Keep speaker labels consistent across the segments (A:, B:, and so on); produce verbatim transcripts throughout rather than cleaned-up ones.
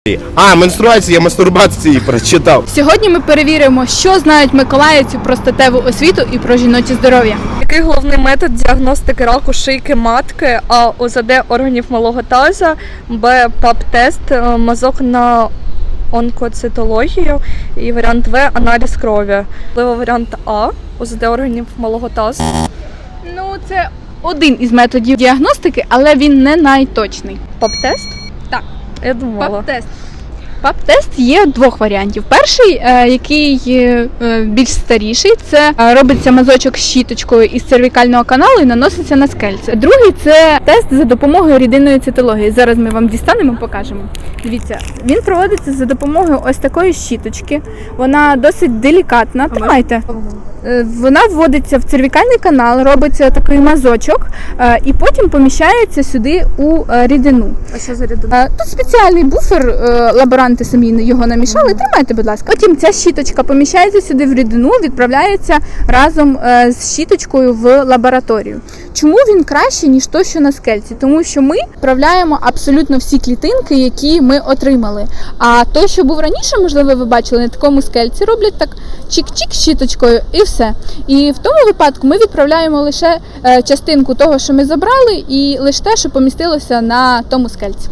A: А, менструація, мастурбації прочитав.
B: Сьогодні ми перевіримо, що знають миколаївці про статеву освіту і про жіноче здоров'я.
C: Який головний метод діагностики раку шийки матки? А. О З Д органів малого таза, Б. ПАП-тест, мазок на онкоцитологію і варіант В. Аналіз крові. Можливо, варіант А. О З Д органів малого тазу.
B: Ну, це один із методів діагностики, але він не найточний.
C: ПАП-тест?
B: Так.
C: Я думала.
B: ПАП-тест. ПАП-тест є двох варіантів. Перший, е, який е, більш старіший, це е, робиться мазочок щіточкою із цервікального каналу і наноситься на скельце. Другий – це тест за допомогою рідинної цитології. Зараз ми вам дістанемо, покажемо. Дивіться, він проводиться за допомогою ось такої щіточки. Вона досить делікатна. Тримайте. Е, Вона вводиться в цервікальний канал, робиться такий мазочок е, і потім поміщається сюди у е, рідину.
C: А що за рідина?
B: Е, Тут спеціальний буфер, е, лаборанти самі його намішали. Тримайте, будь ласка. Потім ця щіточка поміщається сюди в рідину, відправляється разом е, з щіточкою в лабораторію. Чому він краще, ніж то, що на скельці? Тому що ми вправляємо абсолютно всі клітинки, які ми отримали. А то, що був раніше, можливо, ви бачили, на такому скельці роблять так чик-чик щіточкою і все. І в тому випадку ми відправляємо лише е, частинку того, що ми забрали, і лише те, що помістилося на тому скельці.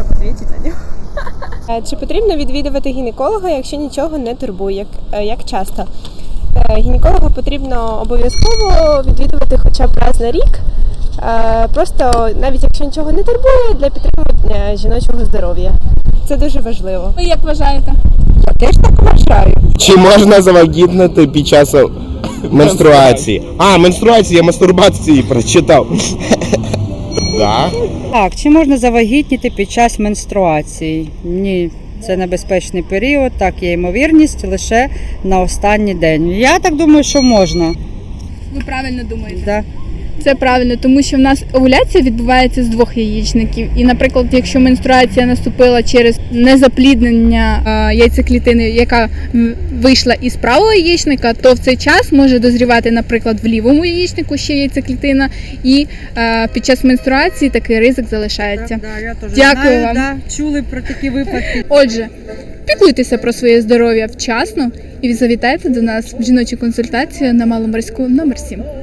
D: Чи потрібно відвідувати гінеколога, якщо нічого не турбує? Як, як часто? Гінеколога потрібно обов'язково відвідувати хоча б раз на рік. Просто навіть якщо нічого не турбує, для підтримання жіночого здоров'я. Це дуже важливо.
B: Ви як вважаєте?
D: Я теж так вважаю.
A: Чи можна завагітнити під час менструації? А, менструація, мастурбації прочитав. Да.
E: Так, чи можна завагітніти під час менструації? Ні, це небезпечний період, так є ймовірність лише на останній день. Я так думаю, що можна.
B: Ви правильно думаєте.
E: Да.
B: Це правильно, тому що в нас овуляція відбувається з двох яєчників. І, наприклад, якщо менструація наступила через незапліднення е, яйцеклітини, яка вийшла із правого яєчника, то в цей час може дозрівати, наприклад, в лівому яєчнику ще яйцеклітина, і е, під час менструації такий ризик залишається.
E: Так, да, я теж
B: Дякую
E: знаю,
B: вам.
E: Да, чули про такі випадки.
B: Отже, піклуйтеся про своє здоров'я вчасно і завітайте до нас в жіночу консультацію на Маломорську номер сім.